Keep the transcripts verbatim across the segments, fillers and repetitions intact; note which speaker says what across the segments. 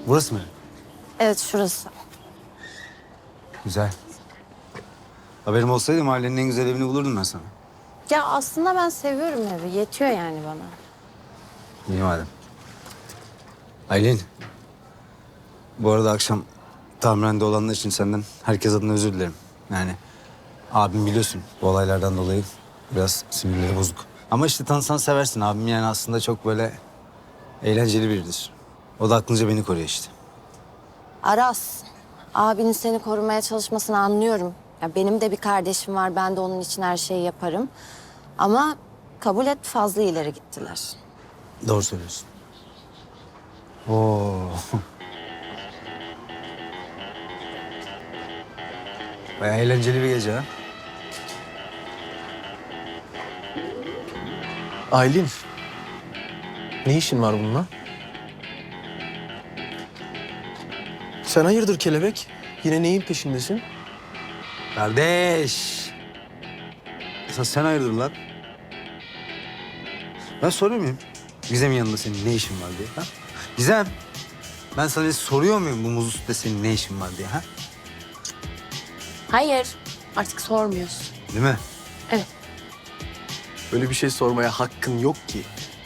Speaker 1: Burası mı?
Speaker 2: Evet, şurası.
Speaker 1: Güzel. Haberim olsaydı mahallenin en güzel evini bulurdum ben sana.
Speaker 2: Ya aslında ben seviyorum evi. Yetiyor yani bana.
Speaker 1: İyi madem. Aylin. Bu arada akşam tamirhanede olanlar için senden herkes adına özür dilerim. Yani abim biliyorsun bu olaylardan dolayı biraz sinirleri bozuk. Ama işte tanısan seversin abim, yani aslında çok böyle eğlenceli biridir. O da aklınca beni koruyor işte.
Speaker 2: Aras, abinin seni korumaya çalışmasını anlıyorum. Ya benim de bir kardeşim var. Ben de onun için her şeyi yaparım. Ama kabul et, fazla ileri gittiler.
Speaker 1: Doğru söylüyorsun. Oo. Bayağı eğlenceli bir gece ha.
Speaker 3: Aylin, ne işin var bununla? Sen hayırdır kelebek? Yine neyin peşindesin?
Speaker 1: Kardeş. Esas sen hayırdır lan? Ben soruyor muyum? Gizem'in yanında senin ne işin var diye ha? Gizem, ben sana soruyor muyum bu muzlu sütte senin ne işin var diye ha?
Speaker 4: Hayır, artık sormuyorsun.
Speaker 1: Değil mi?
Speaker 4: Evet.
Speaker 3: Böyle bir şey sormaya hakkın yok ki.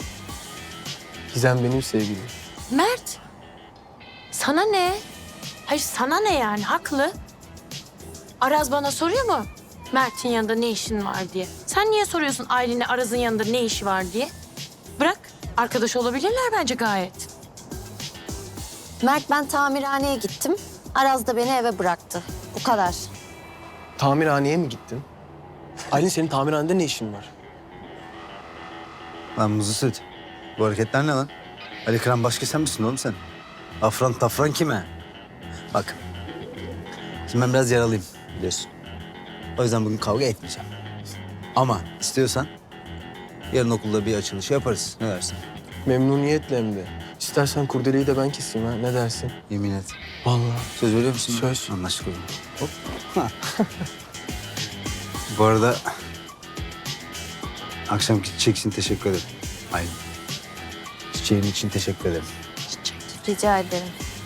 Speaker 3: Gizem benim sevgilim.
Speaker 4: Mert, sana ne? Hayır, sana ne yani? Haklı. Araz bana soruyor mu? Mert'in yanında ne işin var diye. Sen niye soruyorsun Aylin'e Araz'ın yanında ne işi var diye? Bırak, arkadaş olabilirler bence gayet.
Speaker 2: Mert, ben tamirhaneye gittim. Araz da beni eve bıraktı. Bu kadar.
Speaker 3: Tamirhaneye mi gittin? Aylin, senin tamirhanede ne işin var?
Speaker 1: Lan muzlu süt. Bu hareketler ne lan? Ali Kıran başka sen misin oğlum sen? Afran tafran kime? Bak. Şimdi ben biraz yaralıyım biliyorsun. O yüzden bugün kavga etmeyeceğim. Ama istiyorsan yarın okulda bir açılışı yaparız. Ne dersin?
Speaker 3: Memnuniyetle hem de. İstersen kurdeleyi de ben keseyim ha. Ne dersin?
Speaker 1: Yemin et.
Speaker 3: Vallahi.
Speaker 1: Söz veriyor musun?
Speaker 3: Söz.
Speaker 1: Anlaştık o zaman. Hop. Ha. Bu arada akşamki çiçek için teşekkür ederim. Aynen. Çiçeğin için teşekkür ederim.
Speaker 2: Rica ederim.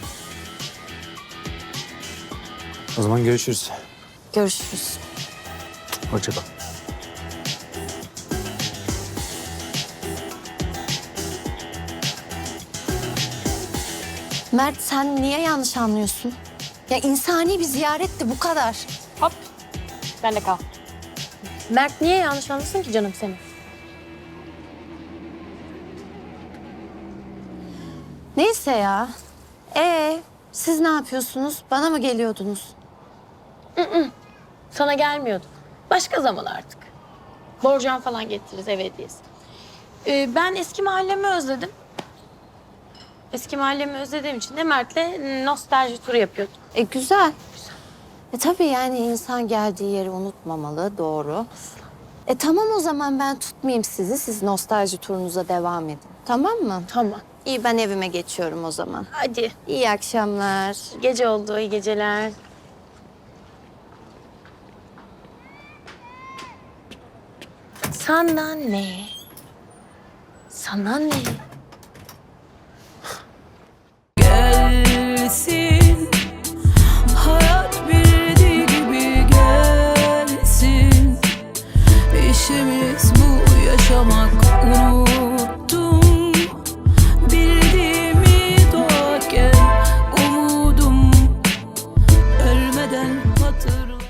Speaker 1: O zaman görüşürüz.
Speaker 2: Görüşürüz.
Speaker 1: Hoşça kal.
Speaker 2: Mert, sen niye yanlış anlıyorsun? Ya insani bir ziyaretti, bu kadar.
Speaker 4: Hop, ben de kal. Mert niye yanlış anlasın ki canım seni?
Speaker 2: Neyse ya. Ee, siz ne yapıyorsunuz? Bana mı geliyordunuz?
Speaker 4: Sana gelmiyordu. Başka zaman artık. Borcam falan getiririz ev hediyesi. Ee, ben eski mahallemi özledim. Eski mahallemi özlediğim için de Mert'le nostalji turu yapıyordum.
Speaker 2: E güzel. E tabii yani insan geldiği yeri unutmamalı, doğru. E tamam, o zaman ben tutmayayım sizi. Siz nostalji turunuza devam edin. Tamam mı?
Speaker 4: Tamam.
Speaker 2: İyi, ben evime geçiyorum o zaman.
Speaker 4: Hadi.
Speaker 2: İyi akşamlar.
Speaker 4: Gece oldu, iyi geceler. Sana ne? Sana ne?
Speaker 5: Gelsin, hayat bildiği gibi gelsin. İşimiz bu, yaşamak unuttum. Bildiğimi doğarken umudum ölmeden hatırla.